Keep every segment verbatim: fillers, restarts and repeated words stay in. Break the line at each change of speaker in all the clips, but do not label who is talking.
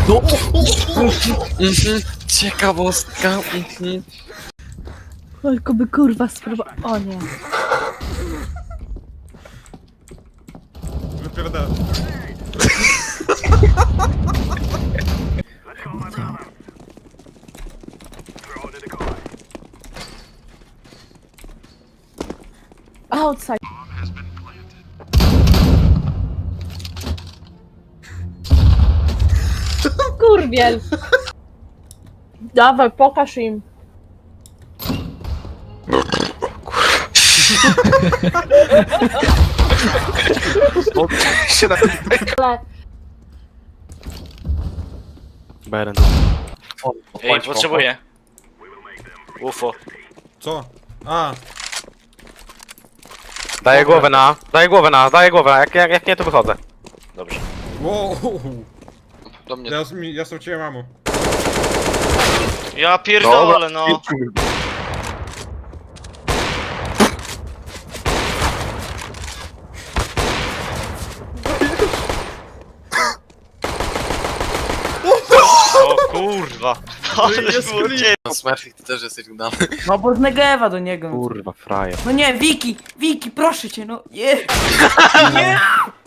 No! Mhm. Ciekawostka. Mhm.
Tylko by kurwa spróbował. O nie.
Wypierdala.
Outside. Kurwiel. Dawaj, pokaż im.
się na...
Ale
Beren.
Ej, potrzebuję. Ufo.
Co? A,
Daję głowę na, daję głowę na, daję głowę na, jak, jak, jak nie to wychodzę.
Dobrze.
wow.
Do mnie.
Ja, ja, ja straciłem mamu.
Ja pierdolę, no. O kurwa. Ale było cię.
No Smurfik, ty też jesteś udany.
No bo z Negewa do niego.
Kurwa, frajer.
No nie, Wiki! Wiki, proszę cię, no nie! Nie!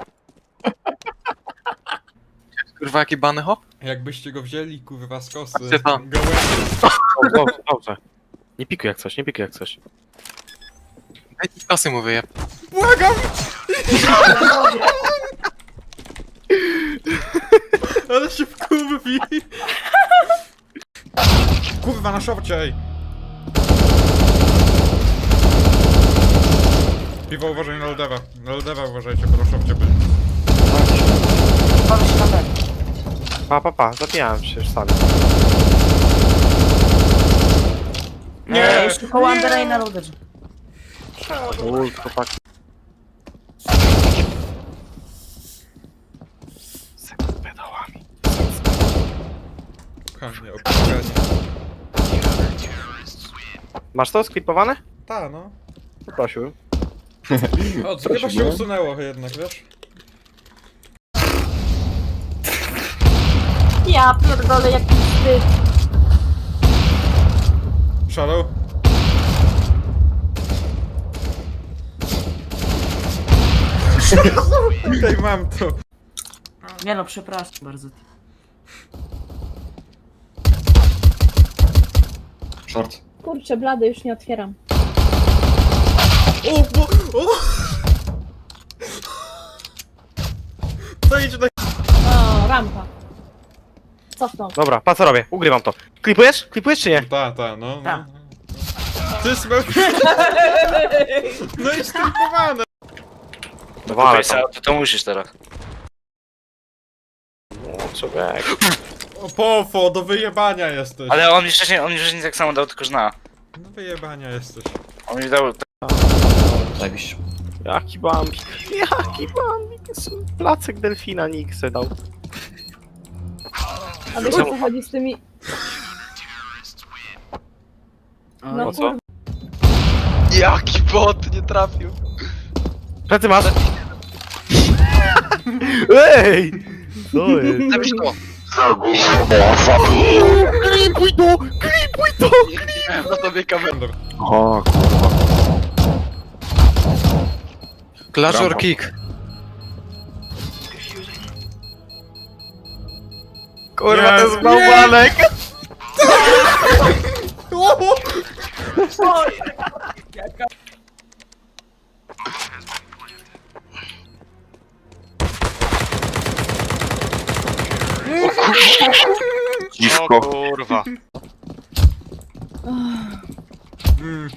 Kurwa, jaki bany hop?
Jakbyście go wzięli, kurwa, z kosy.
Patrzcie tam.
Gołębi.
Dobrze, dobrze. Nie pikuj jak coś, nie pikuj jak coś. Daj mi kasy mu wyjeb.
Błagam! Ale się wkurwi! Kurwa, na szorcie, ej! Piwo, uważaj na Ldewa. Na Ldewa uważajcie, bo na szorcie byli.
Bawię się na ten.
Pa, pa, pa, zabijałem się już sami.
Nie, jeszcze koło Andera i na Loderze.
Uj, chłopak. Seks z pedałami.
Kochanie, opłakanie.
Masz to sklipowane?
Ta, no.
Poprosił.
O, co chyba się usunęło jednak, wiesz?
ja pierdolę, jaki wstyd.
Shadow? Okej, mam to.
Nie no, przepraszam bardzo.
Short.
Kurczę, blady, już nie otwieram.
O, bo... O! To idź na...
O, rampa. Cofnął.
Dobra, pa co robię? Ugrywam to. Klipujesz? Klipujesz czy nie?
Ta, ta, no. no.
Ta.
Ty smel... No i stripowane!
Wale
Kupię, to, to musisz teraz.
O, człowiek.
O, pofo, do wyjebania jesteś.
Ale on mi wcześniej, on mi wcześniej tak samo dał, tylko że na.
Do wyjebania jesteś.
On mi dał...
Zajebiście.
Jaki bambik. Jaki bambik. Placek delfina nikt se dał.
A wiesz o co chodzi z tymi... No
Po co?
kurwa.
Jaki bot nie trafił.
Plecy masz? Ej! Co jest?
Zabierz to.
Klipuj to! Klipuj to!
Miałem na tobie kamerę.
O kurwa. Clash or kick. Kurwa, to jest bałwanek!
O kurwa.
Mm.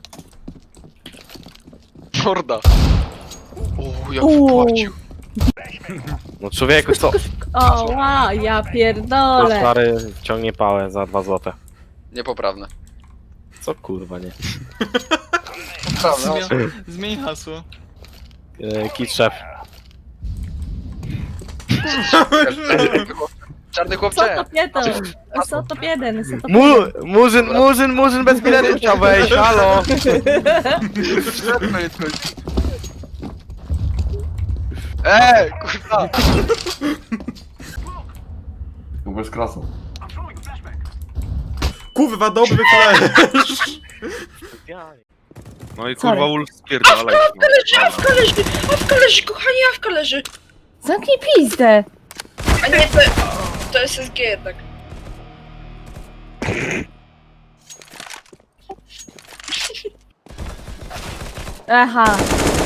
Morda. O, jak
Uuu.
wpłacił.
No człowieku, co?
O, ła, ja
To
pierdolę.
stary ciągnie pałę za dwa złote.
Niepoprawne.
Co kurwa, nie?
Poprawne.
Zmień hasło.
Yy, Kit szef.
Czarny
Co
chłopcze.
to jeden? Co to jeden? Co to
Mu, murzyn, murzyn, murzyn bez biletu chciał wejść, halo!
Eee, kurwa.
Bez krasu.
Kurwa, dobry flash!
No i
Sorry.
kurwa Wolf spierdalaj.
Awka leży, awka leży, kochani, awka leży.
Zamknij pizdę!
A nie, to, to jest S G jednak.
Aha.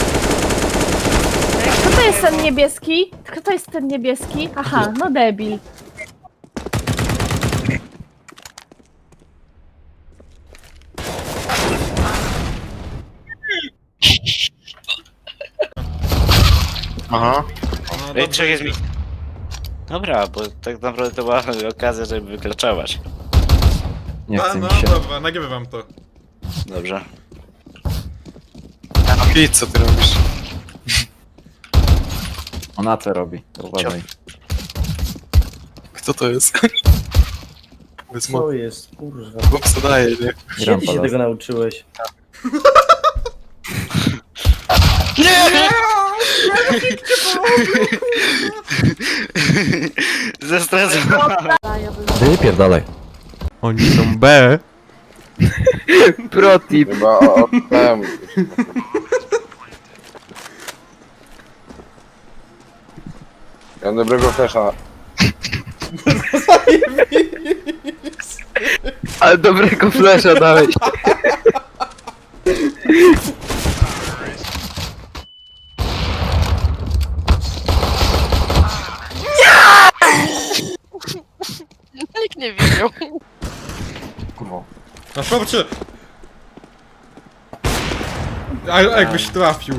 Kto to jest ten niebieski? Kto to jest ten niebieski? Aha, no debil.
Aha.
No,
Ej,
dobrze
trzech jest
idzie.
mi. Dobra, bo tak naprawdę to była okazja, żeby wykraczować.
Nie
A,
chce
no
mi się.
dobra, nagrywam to.
Dobrze.
A Pete, co ty robisz?
Ona co robi, to uważaj.
Kto to jest? Bez
Co
mowy.
jest, kurwa?
Chłop co daje, nie?
Kiedy
Gram
się
palas.
tego nauczyłeś?
Zastresowałem.
Wypierdalaj.
Oni są B.
Protip. Chyba od temu. Ja dobrego flesza. Ale dobrego flesza dałeś.
Nikt nie widział.
Kurwa.
Na szorcie! A jakbyś trafił.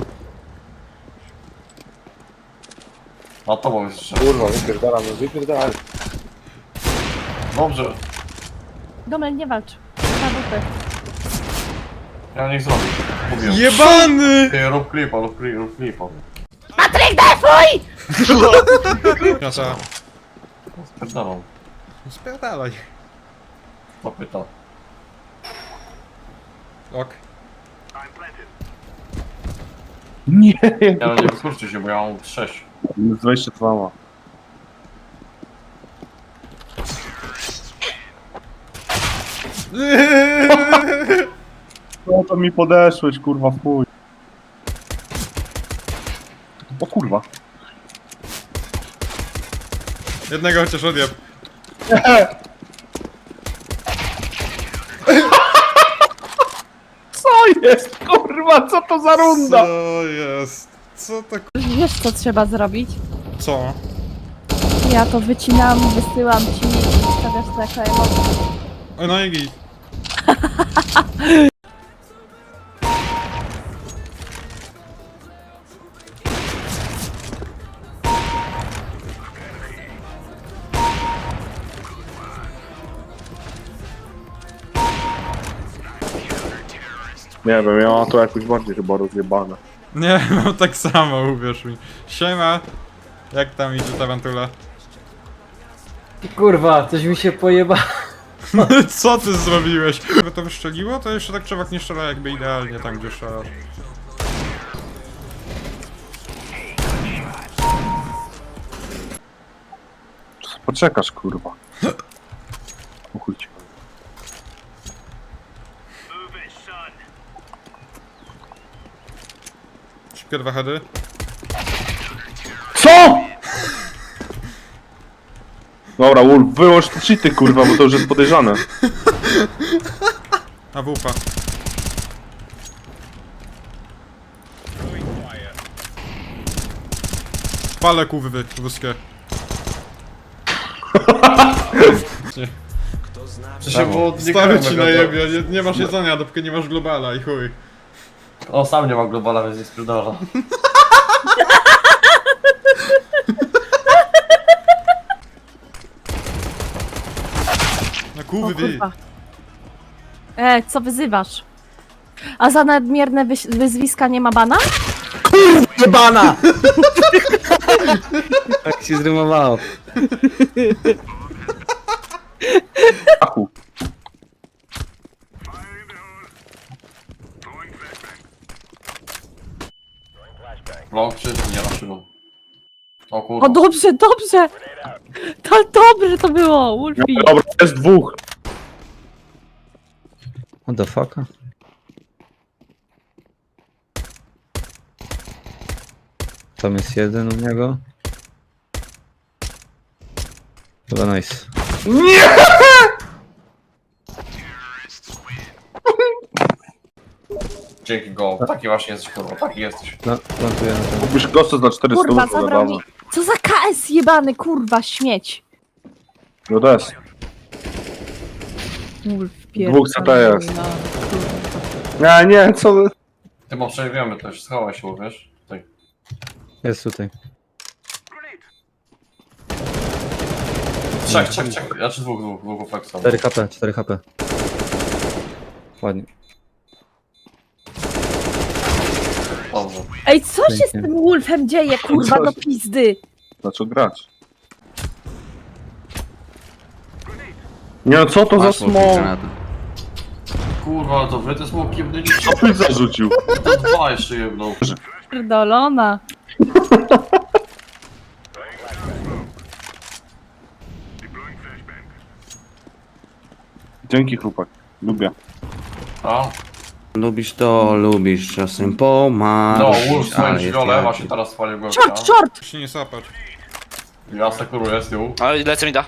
Na tobą jest jeszcze.
Kurwa, wypierdalam, no wypierdalam.
Dobrze.
Domel, nie walcz. Na butę.
Ja niech zrobię. Mówię.
Jebany!
Ty, rób klipa, rób klipa, rób klipa.
Patryk, defuj!
Kasa.
Spierdalam.
Spierdalaj.
To pyta.
Ok.
Nie! Ja nie wykurczę się, bo ja mam sześć.
dwadzieścia dwa ma.
No to mi podeszłeś, kurwa, w chuj. O kurwa.
Jednego chociaż odjeb.
Co jest, kurwa, co to za runda?
Co jest? Co to k-
Wiesz co trzeba zrobić?
Co?
Ja to wycinam, wysyłam ci i stawiasz to jako emocje.
O, no i git.
Nie wiem, ja mam to jakoś bardziej chyba rozjebane.
Nie, mam tak samo, uwierz mi. Siema. Jak tam idzie tarantula?
Kurwa, coś mi się pojeba.
Co ty zrobiłeś? Gdyby to wyszczeliło, to jeszcze tak człowiek nie strzela jakby idealnie tam, gdzie strzelasz.
Poczekasz, kurwa. O chuj ci.
Szybkie dwa heady.
Co?! Dobra, Wolf, wyłącz te cheaty, kurwa, bo to już jest podejrzane.
A wupa. Palę kurwy ruskie.
Czy się było
Stawię ci na jebie, nie, nie masz jedzenia, dopóki nie masz globala i chuj.
O, sam nie mam globala, więc nie spierdala.
Na
O
kurwy.
kurwa. E, co wyzywasz? A za nadmierne wyś- wyzwiska nie ma bana?
Jebana! Tak się zrymowało.
Achu.
Vlog czy nie na szybą? O kurwa.
O, dobrze, dobrze! To dobrze to było, Wolfie.
Dobra, jest dwóch.
What the fuck? Tam jest jeden u niego. Chyba nice.
Dzięki go. Taki właśnie jesteś kurwa, taki jesteś.
No, plantuję na ten.
Kupisz gosta za czterysta,
Kurwa,
to za
zabrał
bardzo.
mi... Co za K S jebany, kurwa, śmieć.
No to jest.
Wolf,
Dwóch C T jest.
pierdolona.
Nie, nie, co wy?
Ty bo przejebiemy też, schowaj się, wiesz? Tutaj.
Jest tutaj.
Trzech, trzech, trzech. Ja czy dwóch, dwóch, dwóch flexa.
cztery H P, cztery H P. Ładnie.
Dobrze.
Ej, co się z
Pięknie.
tym Wolfem dzieje, kurwa,
Co
do
się-
pizdy?
Zaczął grać. Nie no, co to za smok?
Kurwa, ale to wy te smoki jebnęli.
Co byś zarzucił?
To dwa jeszcze jebną.
Pierdolona.
Dzięki chłopak, lubię.
A?
Lubisz to, lubisz czasem pomagać.
No, Wolf swoim żywole, właśnie teraz spalił go.
Short, short!
Się nie sapać.
Ja sekuruję z tyłu.
Ale lecę mi da.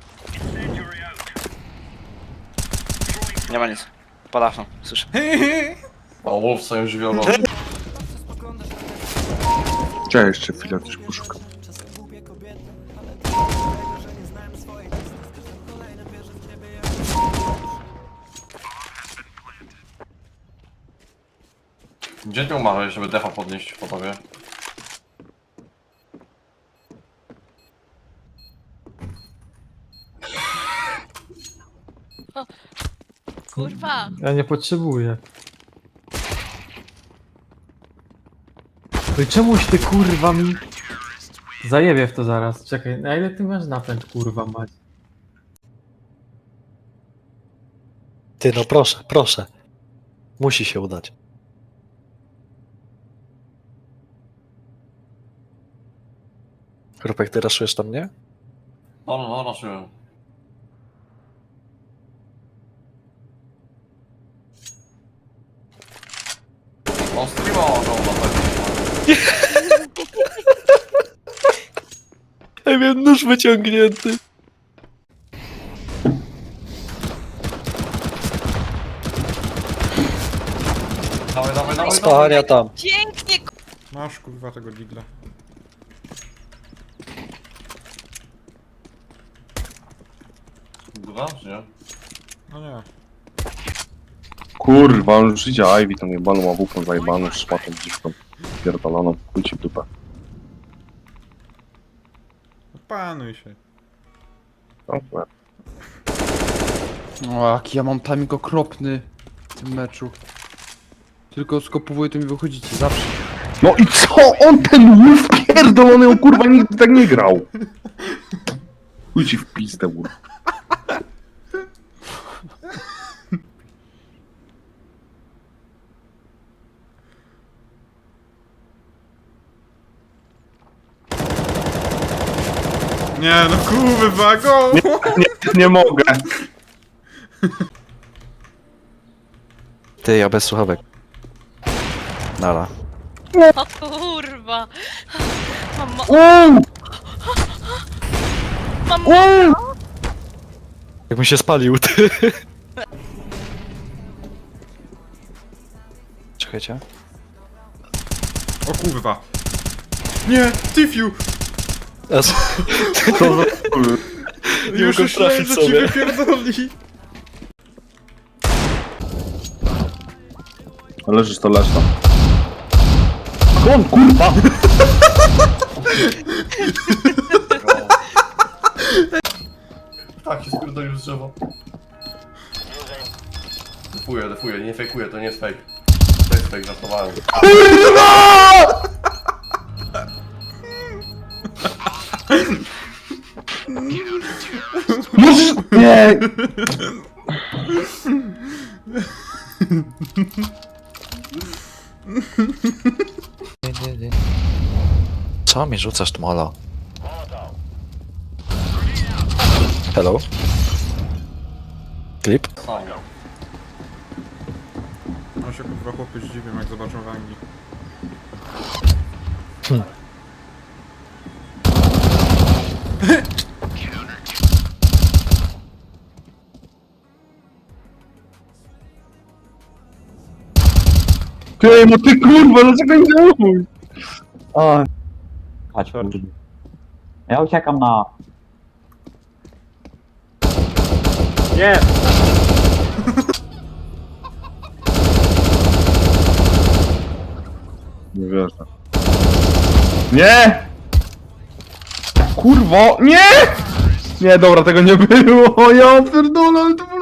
Nie ma nic. Padafno, słyszę.
O, Wolf swoim żywiołem.
Chciałem jeszcze chwilę coś poszukać.
Gdzie ty umarłeś, żeby defa podnieść po tobie?
Kurwa.
Ja nie potrzebuję. No i czemuś ty kurwa mi... Zajebie w to zaraz. Czekaj, na ile ty masz napęd kurwa mać?
Ty no proszę, proszę. Musi się udać. Krupek, ty raszujesz tam mnie?
No, no, no, raszyłem. On streama ogląda tak.
Ja miałem nóż wyciągnięty.
Dawaj, dawaj, dawaj,
Spania tam.
Pięknie,
Masz kurwa tego digla.
Dobra, czy nie?
No nie.
Kurwa, on już idzie Ivy, tą jebaną ławupą zajebaną, szmatą dziwką. Pierdoloną, chuj ci w dupę.
Opanuj się.
Dobra.
O, jaki ja mam timing okropny w tym meczu. Tylko skopowuję, to mi wychodzicie, zawsze.
No i co? On ten Wolf pierdolony, on kurwa nigdy tak nie grał. Chuj ci w pizdę, Wolf.
Nie no kurwa, go!
Nie, nie mogę.
Ty, ja bez słuchawek. Nara.
o kurwa. Mamo. Mamo.
Jakbym się spalił, ty. Czekajcie.
O kurwa. Nie, Tifiu!
As...
Co za...
Już
mogę
myślałem,
trafić
że ci
sobie.
wypierdoli.
Leżysz to leż tam. Skąd kurwa?
Tak, się spierdolił z drzewa. Defuję, defuję, nie fejkuję, to nie jest fake. To jest fake, żartowałem.
Możesz... Nie!
Co mi rzucasz, Tmola? Hello? Klip?
No się kurwa chłopy zdziwią, jak zobaczą wangi.
Ty, no ty kurwa, dlaczego nie działasz?
O. Chodź, kurwa. Ja uciekam na... Nie!
Nie wierzę. Nie! Kurwo, nie! Nie, dobra, tego nie było, ja pierdolę, ale to